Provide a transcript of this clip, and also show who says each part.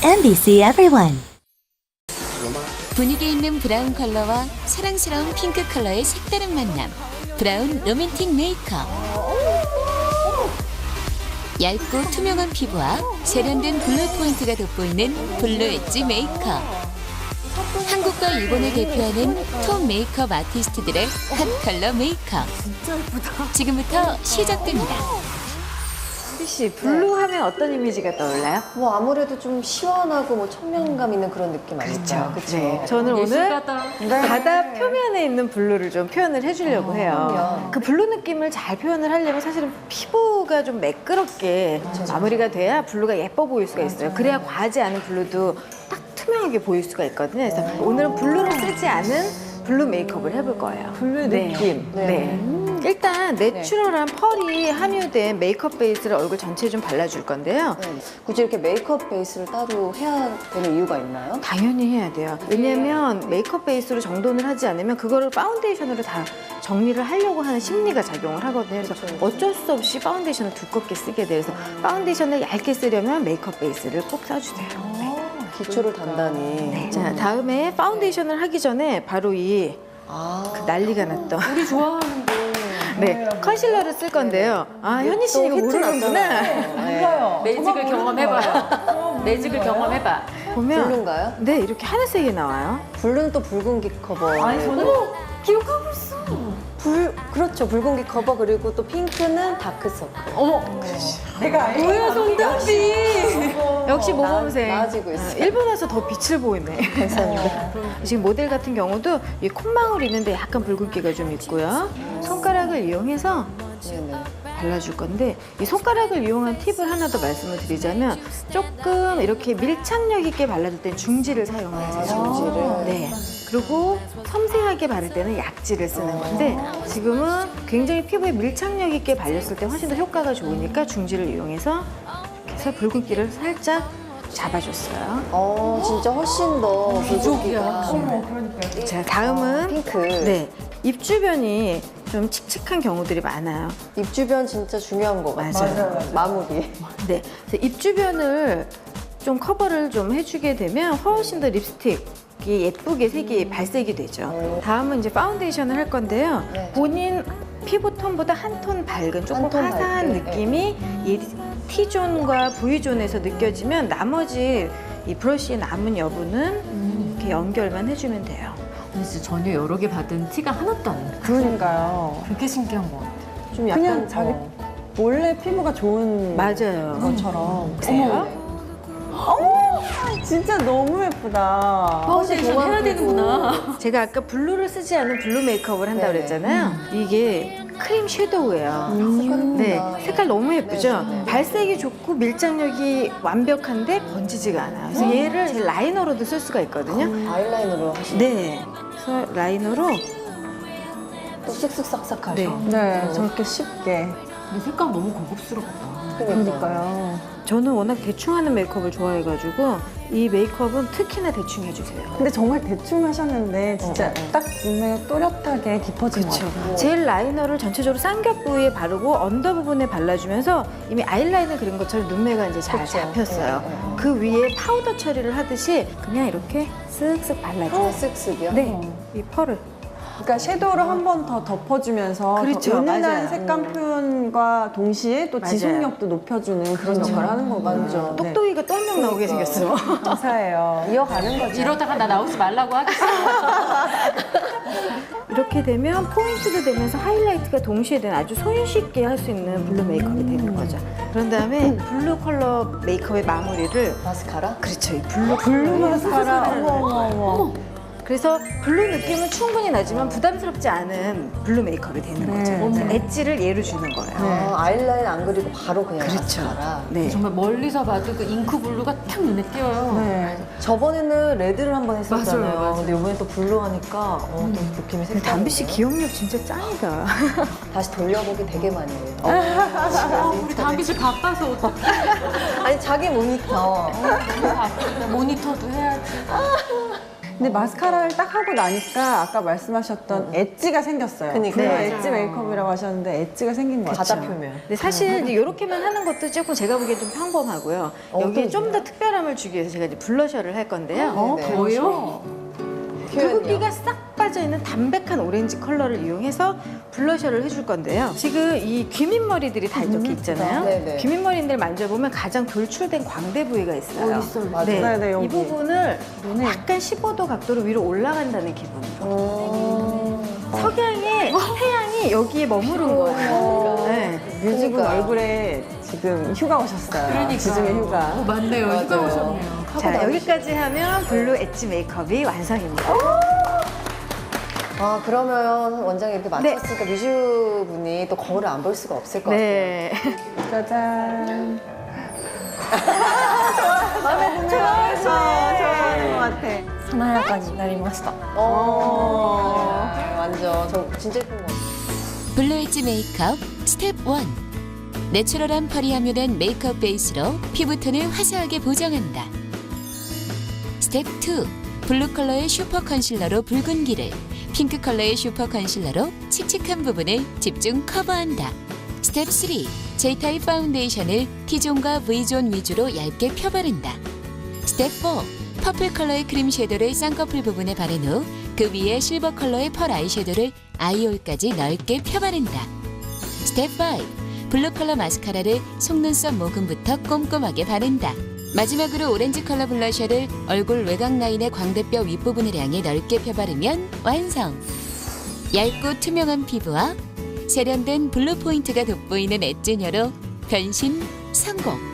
Speaker 1: MBC Everyone.
Speaker 2: 분위기 있는 브라운 컬러와 사랑스러운 핑크 컬러의 색다른 만남. 브라운 로맨틱 메이크업. 얇고 투명한 피부와 세련된 블루 포인트가 돋보이는 블루 엣지 메이크업. 한국과 일본을 대표하는 톤 메이크업 아티스트들의 핫 컬러 메이크업. 지금부터 시작됩니다.
Speaker 3: 씨, 블루 하면 어떤 이미지가 떠올라요?
Speaker 4: 뭐 아무래도 좀 시원하고 뭐 청량감 있는 그런 느낌 아닐까요? 그렇죠.
Speaker 3: 네, 저는 오늘 바다 표면에 있는 블루를 좀 표현을 해주려고 해요. 그 블루 느낌을 잘 표현을 하려면 사실은 피부가 좀 매끄럽게 마무리가 돼야 블루가 예뻐 보일 수가 있어요. 그래야 과하지 않은 블루도 딱 투명하게 보일 수가 있거든요. 그래서 오늘은 블루를 쓰지 않은 블루 메이크업을 해볼 거예요.
Speaker 4: 블루 느낌.
Speaker 3: 네. 일단 내추럴한 펄이 함유된 메이크업 베이스를 얼굴 전체에 좀 발라줄 건데요.
Speaker 4: 네. 굳이 이렇게 메이크업 베이스를 따로 해야 되는 이유가 있나요?
Speaker 3: 당연히 해야 돼요. 왜냐면 메이크업 베이스로 정돈을 하지 않으면 그거를 파운데이션으로 다 정리를 하려고 하는 심리가 작용을 하거든요. 그래서 어쩔 수 없이 파운데이션을 두껍게 쓰게 돼요. 그래서 파운데이션을 얇게 쓰려면 메이크업 베이스를 꼭 써주세요. 네.
Speaker 4: 기초를 단단히.
Speaker 3: 네. 자, 다음에 파운데이션을 하기 전에 바로 이 그 난리가 났던
Speaker 5: 우리 좋아하는데.
Speaker 3: 네, 컨실러를 쓸 건데요. 아, 현희 씨 이거 모르는구나.
Speaker 4: 몰라요.
Speaker 5: 매직을 경험해봐요. 매직을 경험해봐.
Speaker 3: 보면
Speaker 4: 블루인가요?
Speaker 3: 네, 이렇게 하늘색이 나와요.
Speaker 4: 블루는 또 붉은기 커버.
Speaker 5: 아니, 저는 기억하고 있어.
Speaker 4: 그렇죠. 붉은기 커버 그리고 또 핑크는 다크서클.
Speaker 5: 어머, 내가 알고. 뭐야, 손담비.
Speaker 3: 역시 모범생.
Speaker 4: 나아지고 있어요.
Speaker 3: 일본 와서 더 빛을 보이네.
Speaker 4: 감사합니다.
Speaker 3: 지금 모델 같은 경우도 이 콧망울 있는데 약간 붉은기가 좀 있고요. 손가락을 이용해서
Speaker 4: 네네.
Speaker 3: 발라줄 건데 이 손가락을 이용한 팁을 하나 더 말씀을 드리자면 조금 이렇게 밀착력 있게 발라줄 땐 중지를 사용하세요.
Speaker 4: 중지를?
Speaker 3: 네. 그리고 섬세하게 바를 때는 약지를 쓰는 건데 지금은 굉장히 피부에 밀착력 있게 발렸을 때 훨씬 더 효과가 좋으니까 중지를 이용해서 이렇게 해서 붉은기를 살짝 잡아줬어요.
Speaker 4: 진짜 훨씬 더 부족이야.
Speaker 3: 자, 다음은
Speaker 4: 핑크.
Speaker 3: 네, 입 주변이 좀 칙칙한 경우들이 많아요.
Speaker 4: 입 주변 진짜 중요한 거 같아요.
Speaker 3: 맞아요.
Speaker 4: 마무리.
Speaker 3: 네, 그래서 입 주변을 좀 커버를 좀 해주게 되면 훨씬 더 립스틱이 예쁘게 색이 발색이 되죠. 다음은 이제 파운데이션을 할 건데요.
Speaker 4: 네.
Speaker 3: 본인 피부 톤보다 한 톤 밝은 조금
Speaker 4: 한톤
Speaker 3: 화사한
Speaker 4: 밝게,
Speaker 3: 느낌이 이 T존과 V존에서 느껴지면 나머지 이 브러쉬의 남은 여부는 이렇게 연결만 해주면 돼요.
Speaker 5: 근데 진짜 전혀 여러 개 받은 티가 하나도 안 나.
Speaker 6: 그러니까요.
Speaker 5: 그게 신기한 것 같아.
Speaker 4: 좀 약간
Speaker 6: 그냥 자기 원래 피부가 좋은
Speaker 3: 맞아요.
Speaker 6: 것처럼.
Speaker 3: 그래요?
Speaker 6: 진짜 너무 예쁘다.
Speaker 5: 파운데이션 해야 되는구나.
Speaker 3: 제가 아까 블루를 쓰지 않은 블루 메이크업을 한다고
Speaker 4: 네네.
Speaker 3: 그랬잖아요. 이게 크림 섀도우예요. 네, 색깔 너무 예쁘죠?
Speaker 4: 네네.
Speaker 3: 발색이 좋고 밀착력이 완벽한데 번지지가 않아요. 그래서 얘를 제 라이너로도 쓸 수가 있거든요.
Speaker 4: 아이라인으로 하시는
Speaker 3: 네, 그래서 라이너로
Speaker 4: 또 쓱쓱 싹싹하죠.
Speaker 3: 네.
Speaker 6: 네, 저렇게 쉽게.
Speaker 5: 근데 색감 너무 고급스럽다.
Speaker 6: 그러니까요.
Speaker 3: 저는 워낙 대충 하는 메이크업을 좋아해가지고 이 메이크업은 특히나 대충 해주세요.
Speaker 6: 근데 정말 대충 하셨는데 진짜 딱 눈에 또렷하게 깊어진 것 같아요.
Speaker 3: 젤 라이너를 전체적으로 쌍겹 부위에 바르고 언더 부분에 발라주면서 이미 아이라인을 그린 것처럼 눈매가 이제 잘
Speaker 4: 그쵸.
Speaker 3: 잡혔어요.
Speaker 4: 네, 네.
Speaker 3: 그 위에 파우더 처리를 하듯이 그냥 이렇게 쓱쓱 발라줘요.
Speaker 4: 쓱쓱이요?
Speaker 3: 네, 이 펄을.
Speaker 6: 그러니까 섀도우를 한 번 더 덮어주면서
Speaker 3: 그렇죠,
Speaker 6: 더 은은한
Speaker 3: 맞아요.
Speaker 6: 색감 표현과 동시에 또
Speaker 3: 맞아요.
Speaker 6: 지속력도 높여주는 그런 역할을 하는 거거든요.
Speaker 4: 완전.
Speaker 6: 네.
Speaker 3: 똑똑이가 또 한 명 나오게 생겼어.
Speaker 6: 감사해요.
Speaker 4: 이어가는 거죠.
Speaker 5: 이러다가 나 나오지 말라고 하겠어.
Speaker 3: 이렇게 되면 포인트도 되면서 하이라이트가 동시에 되는 아주 손쉽게 할 수 있는 블루 메이크업이 되는 거죠. 그런 다음에 블루 컬러 메이크업의 마무리를
Speaker 4: 마스카라?
Speaker 3: 그렇죠. 이 블루
Speaker 6: 블루 마스카라.
Speaker 3: 컬러를
Speaker 6: 어머.
Speaker 3: 그래서 블루 느낌은 충분히 나지만 부담스럽지 않은 블루 메이크업이 되는 거죠. 그래서 엣지를 얘로 주는 거예요.
Speaker 4: 아이라인 안 그리고 바로 그냥
Speaker 3: 그렇죠.
Speaker 4: 마스카라.
Speaker 3: 네.
Speaker 5: 정말 멀리서 봐도 그 잉크 블루가 탁 눈에 띄어요.
Speaker 6: 네.
Speaker 4: 저번에는 레드를 한번 했었잖아요.
Speaker 5: 맞아요, 맞아요.
Speaker 4: 근데 이번에 또 블루 하니까 또 느낌이 색다르네요.
Speaker 3: 담비 씨 기억력 진짜 짱이다.
Speaker 4: 다시 돌려보기 되게 많이 해요.
Speaker 5: 아, 우리 담비 씨 바빠서 어떡해.
Speaker 4: 아니 자기 모니터.
Speaker 5: 바쁘다. 모니터도 해야지.
Speaker 6: 근데 마스카라를 딱 하고 나니까 아까 말씀하셨던 엣지가 생겼어요.
Speaker 4: 그니까요.
Speaker 6: 그래서
Speaker 3: 네.
Speaker 6: 엣지 메이크업이라고 하셨는데 엣지가 생긴 것 같아요.
Speaker 4: 바다 표면.
Speaker 3: 근데 사실 이제 이렇게만 하는 것도 조금 제가 보기엔 좀 평범하고요. 여기에 좀 더 특별함을 주기 위해서 제가 이제 블러셔를 할 건데요.
Speaker 4: 네.
Speaker 5: 뭐요?
Speaker 3: 붉은기가 싹 빠져있는 담백한 오렌지 컬러를 이용해서 블러셔를 해줄 건데요. 지금 이 귀밑머리들이 다 이렇게 있잖아요.
Speaker 4: 네네.
Speaker 3: 귀밑머리들 만져보면 가장 돌출된 광대 부위가 있어요.
Speaker 4: 있어요. 맞아요.
Speaker 6: 네, 네, 여기.
Speaker 3: 이 부분을 약간 15도 각도로 위로 올라간다는 기분으로. 석양의 태양이 여기에 머무른 거예요. 네.
Speaker 6: 뮤직은
Speaker 4: 그러니까요.
Speaker 6: 얼굴에 지금 휴가 오셨어요.
Speaker 5: 그러니까.
Speaker 6: 지중해 휴가.
Speaker 5: 맞네요. 휴가
Speaker 4: 맞아요.
Speaker 5: 오셨네요.
Speaker 3: 자, 여기까지 하면 블루 엣지 메이크업이 완성입니다.
Speaker 4: 아, 그러면 원장이 이렇게 맞췄으니까 뮤즈분이 또 거울을 안 볼 수가 없을 것 같아요.
Speaker 3: 네.
Speaker 6: 짜잔. 마음에 드네요. 좋아하는 것 같아.
Speaker 1: 華やかになりました。
Speaker 4: 완전 저 진짜 예쁜 것 같아요.
Speaker 2: 블루 엣지 메이크업 스텝 1. 내추럴한 펄이 함유된 메이크업 베이스로 피부톤을 화사하게 보정한다. 스텝 2. 블루 컬러의 슈퍼 컨실러로 붉은기를, 핑크 컬러의 슈퍼 컨실러로 칙칙한 부분을 집중 커버한다. 스텝 3. J타입 파운데이션을 T존과 V존 위주로 얇게 펴바른다. 스텝 4. 퍼플 컬러의 크림 섀도를 쌍꺼풀 부분에 바른 후 그 위에 실버 컬러의 펄 아이섀도를 아이홀까지 넓게 펴바른다. 스텝 5. 블루 컬러 마스카라를 속눈썹 모근부터 꼼꼼하게 바른다. 마지막으로 오렌지 컬러 블러셔를 얼굴 외곽 라인의 광대뼈 윗부분을 향해 넓게 펴바르면 완성! 얇고 투명한 피부와 세련된 블루 포인트가 돋보이는 엣지녀로 변신 성공!